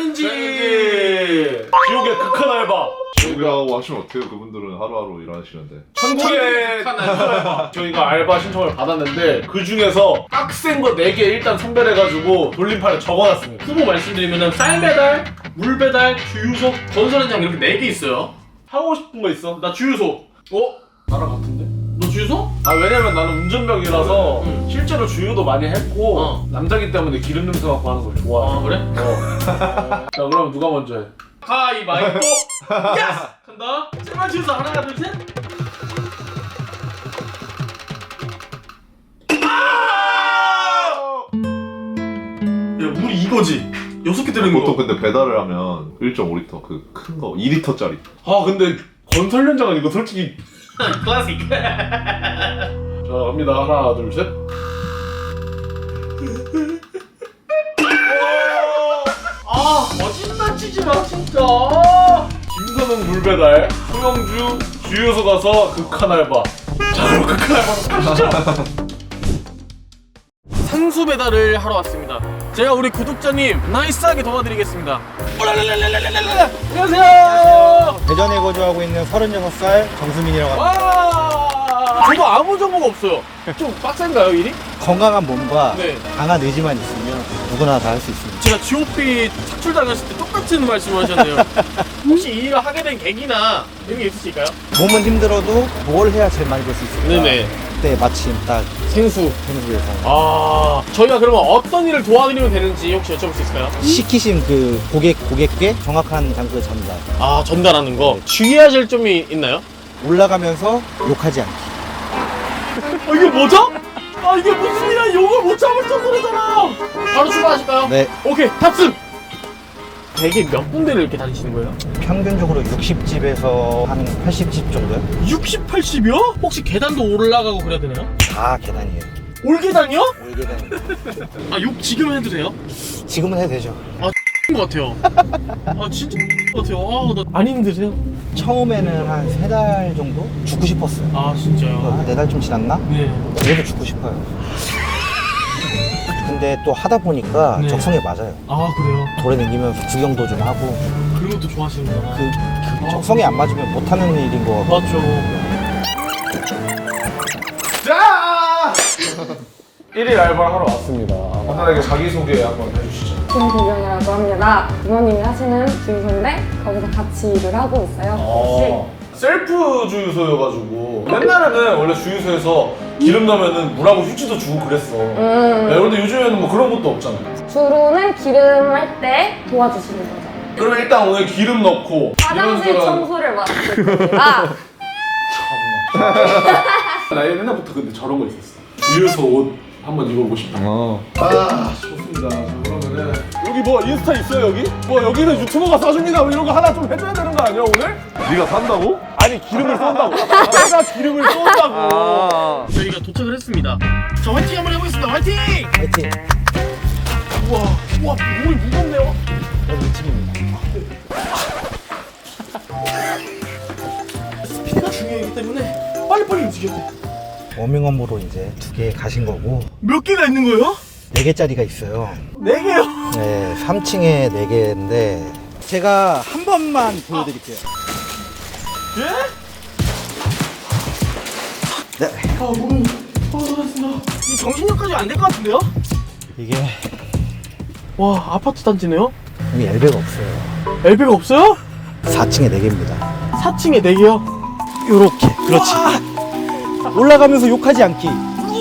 챌린지. 지옥의 극한 알바. 지옥이라고 하시면 어때요? 그분들은 하루하루 일하시는데. 천국의 극한 알바. 저희가 알바 신청을 받았는데 그 중에서 빡센 거 4개 일단 선별해가지고 돌림판에 적어놨습니다. 후보 말씀드리면은 쌀 배달, 물 배달, 주유소, 건설 현장 이렇게 4개 있어요. 하고 싶은 거 있어? 나 주유소. 나랑 같은데? 너 주유소? 아 왜냐면 나는 운전병이라서 응. 실제로 주유도 많이 했고 어. 남자기 때문에 기름 냄새 맡고 하는 걸 좋아해. 아 그래? 자 그럼 누가 먼저 해? 가위바위보. 예스! 간다. 제발 주유소 하나 둘 셋. 야 물이 이거지. 6개 들은 거. 보통 근데 배달을 하면 1.5리터 그 큰 거 2리터짜리. 아 근데 건설 현장은 이거 솔직히 클래식. 자 갑니다. 하나 둘 셋. 아 거짓말 치지 마 진짜. 김선웅 물배달, 소영주 주유소 가서 극한 알바. 자 그럼 극한 알바로 가시죠. 산수 배달을 하러 왔습니다. 제가 우리 구독자님 나이스하게 도와드리겠습니다. 오랄랄랄랄랄랄랄. 안녕하세요. 대전에 거주하고 있는 36살 정수민이라고 합니다. 와. 저도 아무 정보가 없어요. 좀 빡센가요 일이? 건강한 몸과 네. 강한 의지만 있으면 누구나 다 할 수 있습니다. 제가 GOP 착출당했을 때 똑같은 말씀을 하셨네요. 혹시 이 일을 하게 된 계기나 이런 게 있으실까요? 몸은 힘들어도 뭘 해야 제일 많이 벌 수 있을까? 네네. 그때 마침 딱 생수. 생수에서 아 저희가 그러면 어떤 일을 도와드리면 되는지 혹시 여쭤볼 수 있을까요? 시키신 그 고객께 정확한 장소에 전달. 아 전달하는 거. 주의하실 점이 있나요? 올라가면서 욕하지 않기. 이게 뭐죠? 아 이게 무슨 일이야? 욕을 못 참을 정도로잖아. 바로 출발하실까요? 네, 오케이 탑승. 대개 몇 군데를 이렇게 다니시는 거예요? 평균적으로 60집에서 한 80집 정도요? 60, 80이요? 혹시 계단도 올라가고 그래야 되나요? 다 계단이에요. 올 계단이요? 올 계단. 아 욕 지금 해도 돼요? 지금은 해도 되죠. 것 같아요. 아 진짜 것 같아요. 안 힘드세요? 처음에는 한 3달 정도 죽고 싶었어요. 아 진짜요? 4달 좀 지났나? 네. 그래도 죽고 싶어요. 근데 또 하다 보니까 네. 적성에 맞아요. 아 그래요? 돌에 다니면서 구경도 좀 하고 그런 것도 좋아하시는구나. 그 적성에 안 맞으면 못하는 일인 것 같고. 맞죠. 자 1일 알바를 하러 왔습니다. 간단하게 자기소개 한번 해주시죠. 김구경이라고 합니다. 부모님이 하시는 주유소인데 거기서 같이 일을 하고 있어요. 셀프 주유소여가지고 옛날에는 원래 주유소에서 기름 넣으면 물하고 휴지도 주고 그랬어. 네, 그런데 요즘에는 뭐 그런 것도 없잖아. 주로는 기름 할 때 도와주시는 거죠. 그러면 일단 오늘 기름 넣고 화장실 이런저런- 청소를 맡을 겁니다. 나 옛날부터 근데 저런 거 있었어. 주유소 옷 한번 입어보고 싶다. 아 좋습니다. 자, 그러면은 여기 뭐 인스타 있어요 여기? 뭐 여기는 유튜버가 써줍니다 뭐 이런 거 하나 좀 해줘야 되는 거 아니야 오늘? 네가 산다고? 아니 기름을 쏜다고. 내가 기름을 쏜다고. 저희가 도착을 했습니다. 자 화이팅 한번 해보겠습니다. 화이팅! 화이팅! 우와 물이 무겁네요. 여기 2층입니다. 스피드가 중요하기 때문에 빨리빨리 움직여야 돼. 워밍업으로 이제 2개 가신 거고 몇 개가 있는 거예요? 4개짜리가 있어요. 4개요. 네, 3층에 4개인데 제가 한 번만 보여드릴게요. 예? 네, 아 몸이 잘했습니다. 이 정신력까지 안 될 것 같은데요? 이게 와 아파트 단지네요? 여기 엘베가 없어요. 엘베가 없어요? 4층에 4개입니다. 4층에 4개요? 요렇게, 그렇지. 올라가면서 욕하지 않기.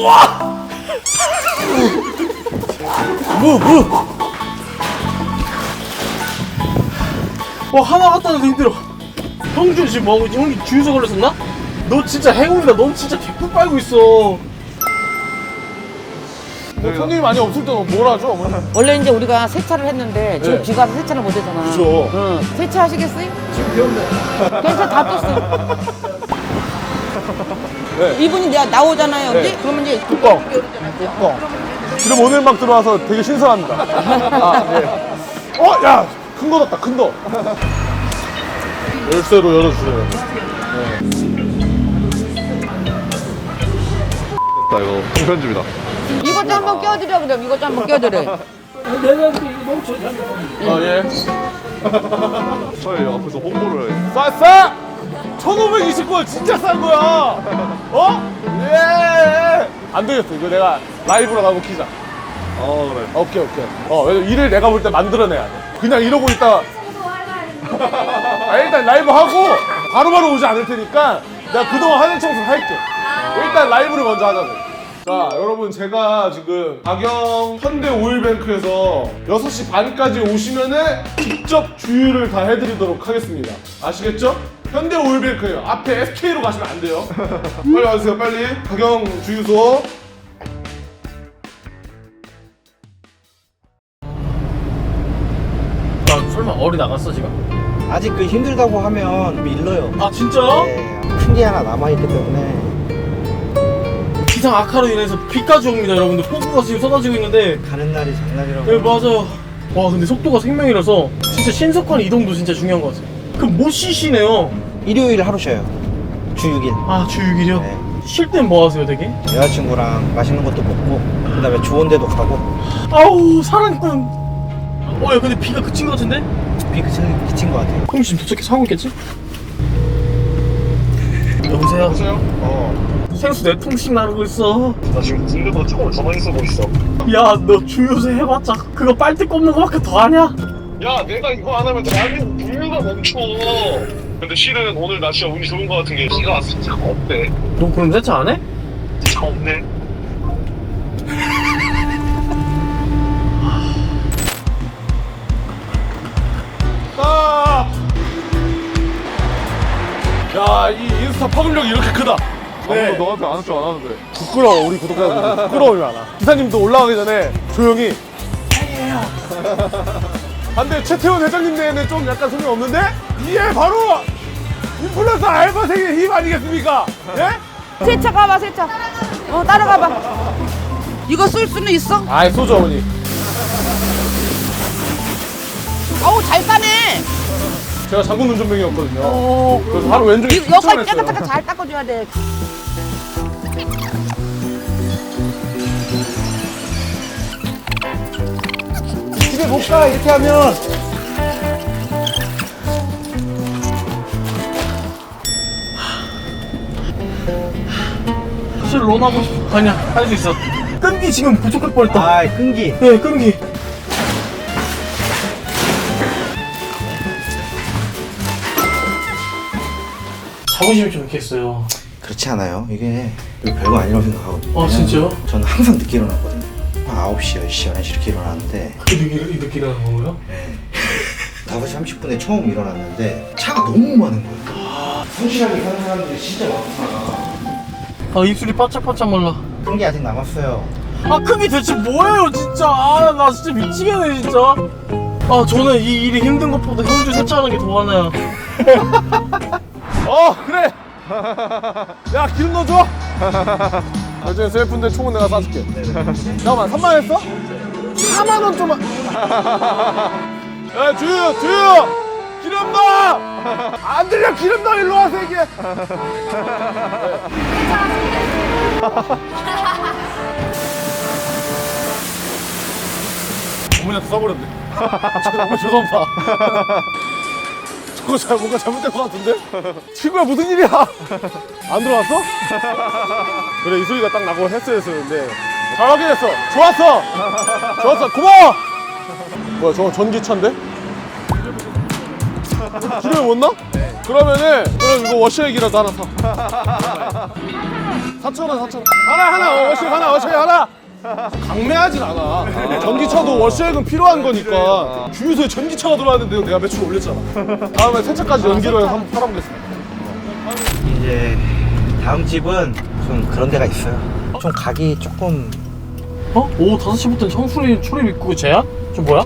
와 하나 갖다 놔도 힘들어. 형준 지금 뭐하고 있지? 형이 주유소 걸렸었나? 너 진짜 행운이다. 너 진짜 개뿔 빨고 있어. 뭐 손님이 많이 없을 때는 뭘 하죠 어머니? 원래 이제 우리가 세차를 했는데 지금 네. 비가 와서 세차를 못 했잖아. 그죠. 응. 세차하시겠어요? 지금 배웠네. 괜찮아, 다 떴어. 네. 이분이 내가 나오잖아요, 여기? 네. 그러면 이제 뚜껑. 열잖아요. 지금 오늘 막 들어와서 되게 신선합니다. 아, 네. 야! 큰 거 넣었다, 큰 거. 열쇠로 열어주세요. 나 이거 편집이다. 이것 좀 한번 껴드려, 그럼 이것 좀 한번 껴드려. 예. 저희 앞에서 홍보를 해. 싸! 1529원 진짜 싼 거야! 어? 예! 안 되겠어. 이거 내가 라이브로 가고 키자. 그래. 오케이. 왜냐면 일을 내가 볼 때 만들어내야 돼. 그냥 이러고 있다가. 일단 라이브 하고 바로바로 오지 않을 테니까 내가 그동안 하는 청소 할게. 일단 라이브를 먼저 하자고. 자, 여러분 제가 지금 가경 현대 오일뱅크에서 6시 반까지 오시면은 직접 주유를 다 해드리도록 하겠습니다. 아시겠죠? 현대 오일뱅크예요. 앞에 SK로 가시면 안 돼요. 빨리 와주세요, 빨리. 가경 주유소. 나 설마 어리 나갔어 지금? 아직 그 힘들다고 하면 밀려요. 아 진짜? 네, 큰 게 하나 남아있기 때문에. 기상 악화로 인해서 비까지 옵니다 여러분들. 폭우가 지금 쏟아지고 있는데. 가는 날이 장날이라고. 네 맞아요. 와 근데 속도가 생명이라서 진짜 신속한 이동도 진짜 중요한 것 같아요. 그럼 못 쉬시네요. 일요일 하루 쉬어요. 주 6일. 아 주 6일이요? 네. 쉴 땐 뭐 하세요 되게? 여자친구랑 맛있는 것도 먹고, 그 다음에 좋은 데도 가고. 아우 사랑꾼. 야 근데 비가 그친 것 같은데? 비 그친 것 같아요. 그럼 지금 도착해서 하고 있겠지? 여보세요? 생수 4통씩 나르고 있어. 나 지금 군대도 조금 가만히 쓰고 있어. 야 너 주유소 해봤자 그거 빨대 꼽는 거밖에 더 하냐? 야, 내가 이거 안 하면 대한민국 분류가 멈춰. 근데 실은 오늘 나 진짜 운이 좋은 거 같은 게 비가 왔을 차가 없대. 너 그럼 세차 안 해? 차 없네. 야, 이 인스타 파급력이 이렇게 크다. 네. 아무도 너한테 안 할 줄 안 하는데. 부끄러워, 우리 구독자분들. 부끄러움이 많아. 기사님도 올라가기 전에 조용히. 반대 최태원 회장님 내에는 좀 약간 소리 없는데? 이게 바로 인플루언서 알바생의 힘 아니겠습니까? 예? 세차 가봐, 세차. 따라가봐. 이거 쓸 수는 있어? 아이, 소주 어머니. 어우, 잘 싸네. 제가 장군 운전병이었거든요. 그래서 하루 왼쪽에 여기까지 추천했어요. 깨끗하게 잘 닦아줘야 돼. 집에 못 가, 이렇게 하면. 사실 론하고 싶어. 아니야 할 수 있어. 끈기 지금 부족할 뻔했다. 아, 끈기. 네 끈기. 자부심이 좀 있겠어요. 그렇지 않아요. 이게 별거 아니라고 생각하거든요. 아, 진짜요? 저는 항상 늦게 일어나거든요. 9시, 10시, 11시 이렇게 일어나는데, 늦게 일어나는 거고요? 5시 30분에 처음 일어났는데 차가 너무 많은 거예요. 성실하게 사는 사람들이 진짜 많구나. 아 입술이 바짝바짝 말라. 끈기 아직 남았어요. 아 끈기 대체 뭐예요 진짜. 아 나 진짜 미치겠네 진짜. 아 저는 이 일이 힘든 것보다 형주 세차하는 게 더 많아요. 그래. 야, 기름 넣어줘. 나중에 셀프인데 총은 내가 쏴줄게. 잠깐만, 3만 했어? 4만 원 좀만. 야, 주유. 기름 넣어. 안 들려, 기름 넣어. 일로 와서 얘기해. 어머니한테 써버렸네. 어머니 죄송합니다. 저거 뭔가 잘못된 것 같은데? 친구야, 무슨 일이야? 안 들어왔어? 그래, 이 소리가 딱 나고 했어야 했었는데. 잘 확인했어. 좋았어. 고마워. 뭐야, 저거 전기차인데? 기름을 못 넣어? 그럼 이거 워셔액이라도 하나 사. 4,000원. 하나, 워셔액 하나. 강매하진 않아. 전기차도 워셔액은 필요한 거니까. 주유소에 전기차가 들어왔는데 내가 매출 올렸잖아. 다음에 세차까지 연기로 해서 한번 팔아보겠습니다. 이제 다음 집은 좀 그런 데가 있어요. 좀 가기 조금. 어? 오후 5시부터는 청소리 출입 입구 제한? 저 뭐야?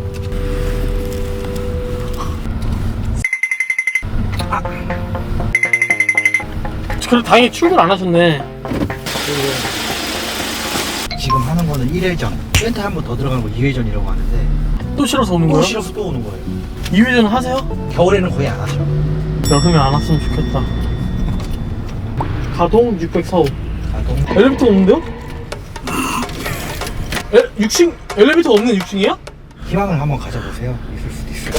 그래 다행히 출근 안 하셨네. 지금 하는 거는 1회전. 렌트 한 번 더 들어가는 거 2회전이라고 하는데, 또 싫어서 오는 또 거야? 싫어서 또 오는 거예요. 2회전 하세요? 겨울에는 거의 안 하죠. 여름에 안 왔으면 좋겠다. 가동 604호. 가동. 엘리베이터 없는데요? 6층 엘리베이터 없는 6층이야? 희망을 한번 가져보세요. 있을 수도 있어요.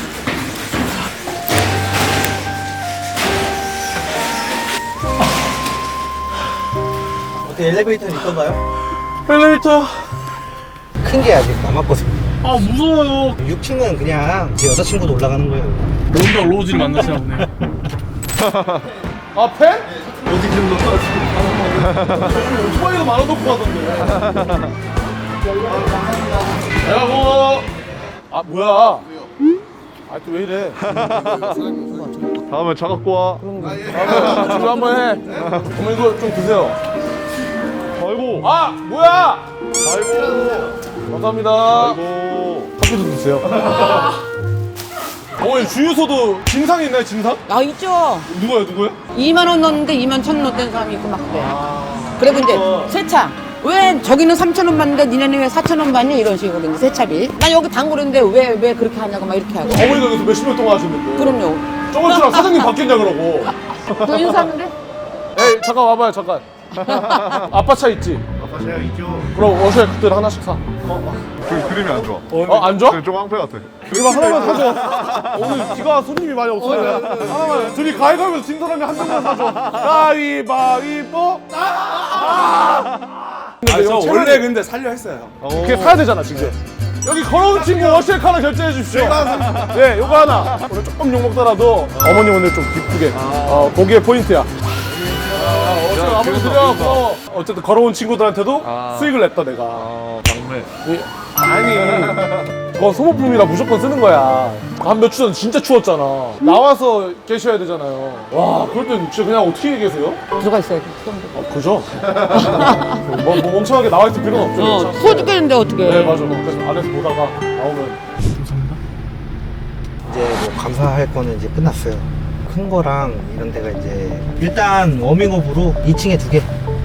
어때 엘리베이터는 있던가요? 엘리베이터. 큰 게 아직 남았거든요. 아 무서워요. 6층은 그냥 제 여자친구도 올라가는 거예요. 론다 로즈를 만나시나 보네. 아 펜? 어디 좀 넣어? 오토바이도 말아놓고 하던데. 내가 뭐? 아 뭐야? 아 또 왜 이래? 다음에 차 갖고 와. 지금 한번 해. 어머 이거 좀 드세요. 아이고. 아 뭐야? 아이고. 감사합니다. 아이고. 커피도 드세요. 어머니 주유소도 진상이 있나요 진상? 아 있죠. 누구요? 2만 원 넣었는데 2만 1천 넣었던 사람이 있고 막 그래. 그리고 이제 세차. 왜 저기는 3천 원 받는데 니네는 왜 4천 원 받니? 이런 식으로 이제 세차비. 나 여기 단골인데 왜 그렇게 하냐고 막 이렇게 하고. 어머니가 여기서 몇십 년 동안 하시는데. 그럼요. 저번 주랑 사장님 바뀌었냐 그러고. 또 인사하는데? 에이 잠깐 와봐요 잠깐. 아빠 차 있지? 아빠 제가 있죠. 그럼 워셔 그들 하나씩 사. 그 그림이 안 좋아. 안 좋아? 좀 깡패 같아. 여기만 하나만 사줘. 오늘 비가 손님이 많이 없어요. 하나만. 둘이 가위바위보 진 사람이 한 명만 사줘. 가위바위보. 근데 저 원래 근데 살려 했어요. 그게 사야 되잖아 지금. 여기 걸어온 친구 워시액 하나 결제해 주십시오. 네, 요거 하나. 오늘 조금 욕 먹더라도 어머니 오늘 좀 기쁘게. 거기에 포인트야. 어쨌든 아무리 드려. 어쨌든 걸어온 친구들한테도 수익을 냈다 내가. 막내. 아니 그건 소모품이라 무조건 쓰는 거야. 한 몇 주 전 진짜 추웠잖아. 나와서 계셔야 되잖아요. 와 그럴 땐 진짜 그냥 어떻게 계세요? 들어가 있어요. 그죠? 뭐 멍청하게 나와 있을 필요는 없죠. 추워 죽겠는데 어떻게. 네 맞아. 그래서 안에서 보다가 나오면 이제 뭐 감사할 거는 이제 끝났어요. 큰 거랑 이런 데가 이제 일단 워밍업으로 2층에 2개.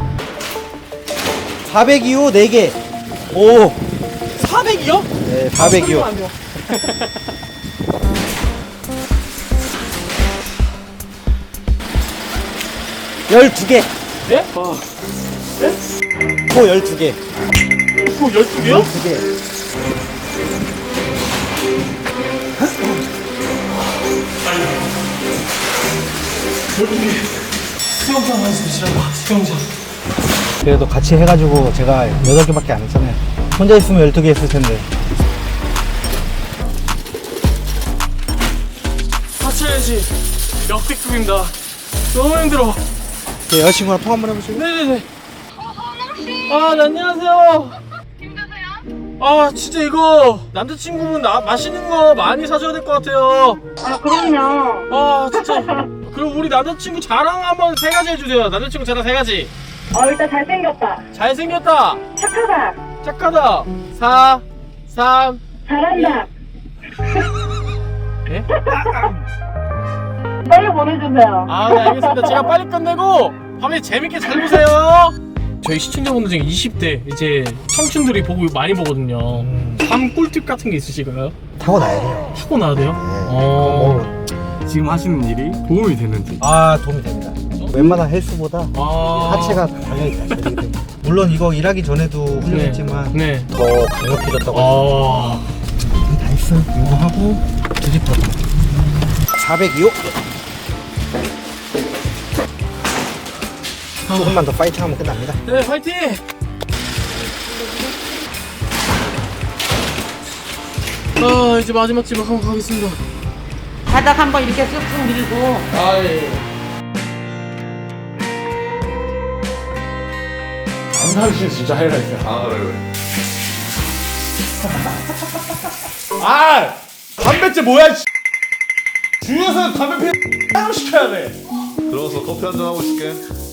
402호 4개. 오. 400이요? 네, 402호. 12개. 예? 코 12개. 그 12개요? 12개. 수영장 가서 드시라고. 수영장. 그래도 같이 해가지고 제가 8개밖에 안 했잖아요. 혼자 있으면 12개 했을 텐데. 같이 해야지. 역대급입니다. 너무 힘들어. 네, 여자친구랑 통화 한번 해보시고. 네네네. 아, 네, 안녕하세요. 힘드세요? 아, 진짜 이거 남자친구분 맛있는 거 많이 사줘야 될 것 같아요. 아, 그럼요. 아, 진짜. 그럼 우리 남자친구 자랑 한번 3가지 해주세요. 남자친구 자랑 3가지. 일단 잘생겼다. 잘생겼다. 착하다. 착하다. 4, 3. 잘한다. 예? 빨리 보내주세요. 아, 네, 알겠습니다. 제가 빨리 끝내고 밤에 재밌게 잘 보세요. 저희 시청자분들 중에 20대 이제 청춘들이 많이 보거든요. 삶 꿀팁 같은 게 있으실까요? 타고나야 돼요. 타고 나야 돼요? 뭐, 지금 하시는 일이 도움이 되는지. 도움이 됩니다. 웬만한 헬스보다 하체가 달려있다. 물론 이거 일하기 전에도 훌륭했지만 네. 더 강력해졌다고. 다 했어. 이거 하고 드리퍼 402호. 조금만 더 파이팅하면 끝납니다. 네, 파이팅! 아, 이제 마지막 집에 한번 가겠습니다. 바닥 한번 이렇게 쓱쓱 밀고. 아, 예. 안상씨 진짜 하이라이트야. 아 그래. 아 담배째 뭐야? 주유소에서 담배 피는 따로 시켜야 돼. 들어가서 커피 한잔 하고 있을게.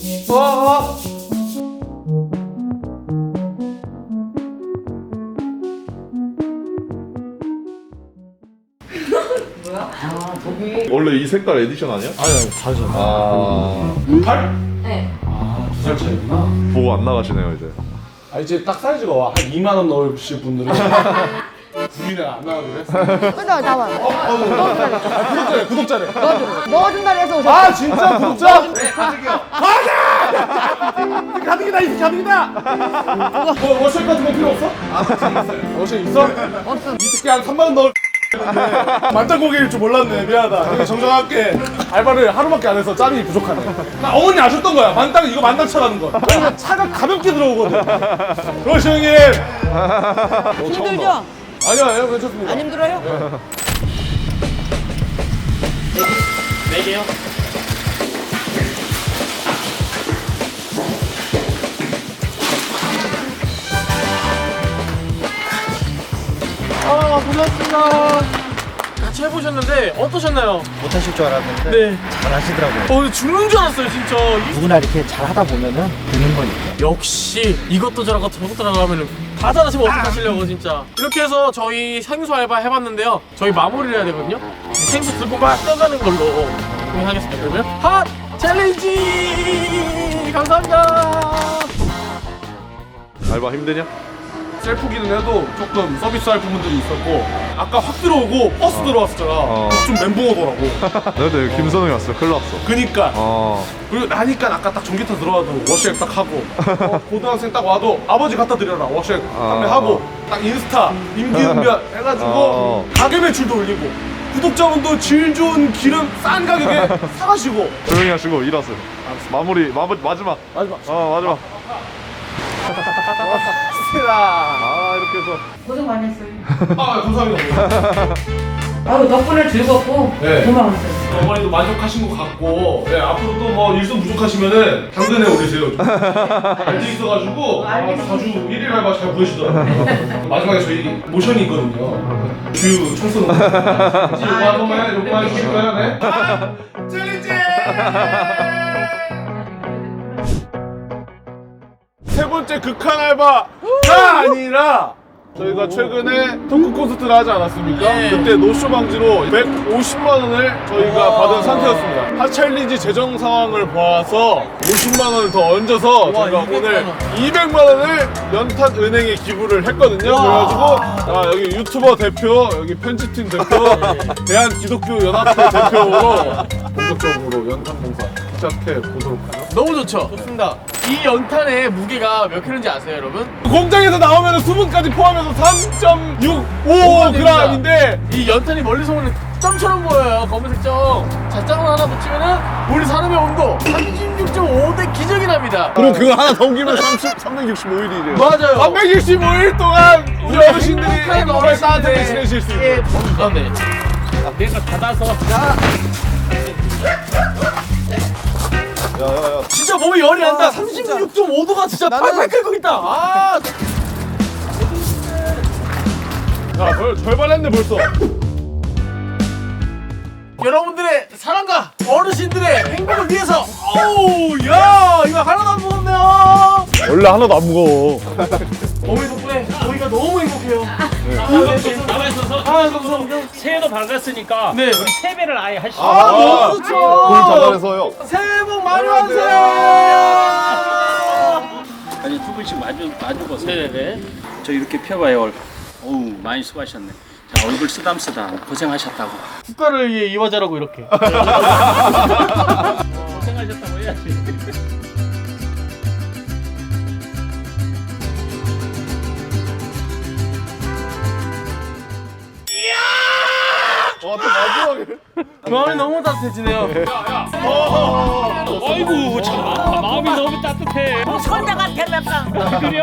원래 이 색깔 에디션 아니야? 아니 다르잖아. 아 8? 네. 두 살 차이구나. 보고 안 나가시네요 이제. 이제 딱 사이즈가 와. 한 2만 원 넣으실 분들은 9일에 안 나가기로 했어. 끊어, 나와. 구독자래. 넣어준다 해서 오셨어. 아 진짜 구독자? 네 가득이요. 가득! 가득이다 이 가득이다. 뭐 워셔 같은 거 필요 없어? 워셔 있어? 없어. 이 새끼 한 3만 원 넣을. 만땅고기일 줄 몰랐네. 미안하다. 되게 정정할게. 알바를 하루밖에 안 해서 짬이 부족하네. 나 어머니 아셨던 거야. 만땅 이거 만땅차라는 거. 왜냐면 차가 가볍게 들어오거든. 그렇지 형님. 힘들죠? 아니요 괜찮습니다. 안 힘들어요? 네 개요. 아, 고생하셨습니다. 같이 해보셨는데 어떠셨나요? 못하실 줄 알았는데 네. 잘하시더라고요. 근데 죽는 줄 알았어요, 진짜. 누구나 이렇게 잘하다 보면은 되는 거니까. 역시 이것도 저것도 저것도 들어가면은 다 잘하시면 어떡하시려고 진짜. 이렇게 해서 저희 생수 알바 해봤는데요. 저희 마무리를 해야 되거든요. 생수 들고 막 떠가는 걸로 하겠습니다. 그러면 핫 챌린지! 감사합니다. 알바 힘드냐? 셀프기는 해도 조금 서비스할 부분들이 있었고 아까 확 들어오고 버스 들어왔었잖아. 좀 멘붕오더라고. 나도 김선웅이 왔어. 큰일 났어. 그니까 그리고 나니까 아까 딱 전기차 들어와도 워시액 딱 하고 고등학생 딱 와도 아버지 갖다 드려라 워시액 판매하고 딱 인스타 임기응변 해가지고 가게 매출도 올리고 구독자분도 질 좋은 기름 싼 가격에 사가시고. 조용히 하시고 일하세요. 마무리 마지막. 마지막. 이렇게 해서 고생 많이 했어요. 감사합니다. 아유, 덕분에 즐겁고 네. 고마웠어요. 어머니도 만족하신 것 같고 앞으로 또 뭐 일손 부족하시면은 당근에 오르세요. 알지 있어가지고 자주 1일 알바 잘 보이시더라고요. 마지막에 저희 모션이 있거든요. 주유 청소는 요거 한 번만 요거 해주실 거예요? 네? 챌린지! 세 번째 극한 알바가 아니라 저희가 최근에 토크 콘서트를 하지 않았습니까? 그때 노쇼 방지로 150만 원을 저희가 받은 상태였습니다. 핫챌린지 재정 상황을 봐서 50만 원을 더 얹어서 저희가 오늘 200만 원을 연탄은행에 기부를 했거든요. 그래가지고 여기 유튜버 대표, 여기 편집팀 대표, 대한기독교연합회 대표로 본격적으로 연탄 봉사 시작해 보도록 하죠. 너무 좋죠? 좋습니다. 이 연탄의 무게가 몇 킬로인지 아세요, 여러분? 공장에서 나오면 수분까지 포함해서 3.65g인데 이 연탄이 멀리서 보면 점처럼 보여요. 검은색 점. 자장을 하나 붙이면은 우리 사람의 온도 36.5대 기적이 납니다. 그럼 그거 하나 더 옮기면 365일이래요. 맞아요. 365일 동안 우리 어르신들이 정말 따뜻하게 지내실 수 있는. 네. 내가 닫아서 진짜 몸이 열이 난다. 36.5도가 진짜 팔팔 끓고 있다. 아, 야, 절반 했네 벌써. 여러분들의 사랑과 어르신들의 행복을 위해서. 어우, 야, 이거 하나도 안 무겁네요. 원래 하나도 안 무거워. 어머니 덕분에 저희가 너무 행복해요. 남아있어서 감사합니다. 새해도 밝았으니까 네. 우리 세배를 아예 하시죠. 너무 좋죠. 돈 잘해서요. 새해 복 많이 받으세요. 아니 두 분씩 마주 보세요. 네네. 저 이렇게 펴봐요. 어우 많이 수고하셨네. 자 얼굴 쓰담쓰담 고생하셨다고. 국가를 위해 이화자라고 이렇게. 고생하셨다고 해야지. 또 마지막에. 마음이 너무 따뜻해지네요. 아이고 참 마음이 너무 따뜻해. 손자가 대답상. 그래요?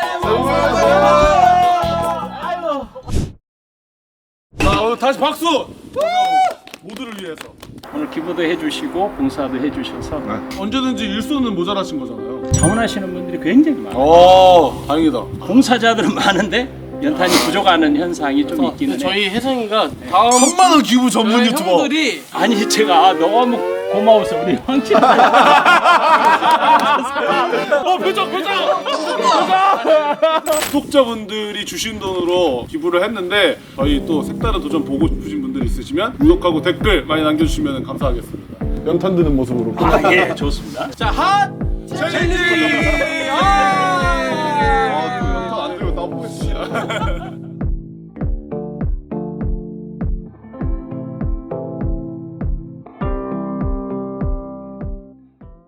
자, 오늘 다시 박수. 모두를 위해서. 오늘 기부도 해주시고 봉사도 해주셔서 언제든지 일손은 모자라신 거잖아요. 자원하시는 분들이 굉장히 많아요. 다행이다. 봉사자들은 많은데 연탄이 부족하는 현상이 좀 있기는 해요. 저희 혜성이가 다음 1000만 원 기부 전문 유튜버. 형들이 아니 제가 너무 고마워서 우리 황치 표정. 구독자분들이 주신 돈으로 기부를 했는데 저희 또 색다른 도전 보고 싶으신 분들이 있으시면 구독하고 댓글 많이 남겨주시면 감사하겠습니다. 연탄 드는 모습으로. 예 좋습니다. 자, 핫 챌린지!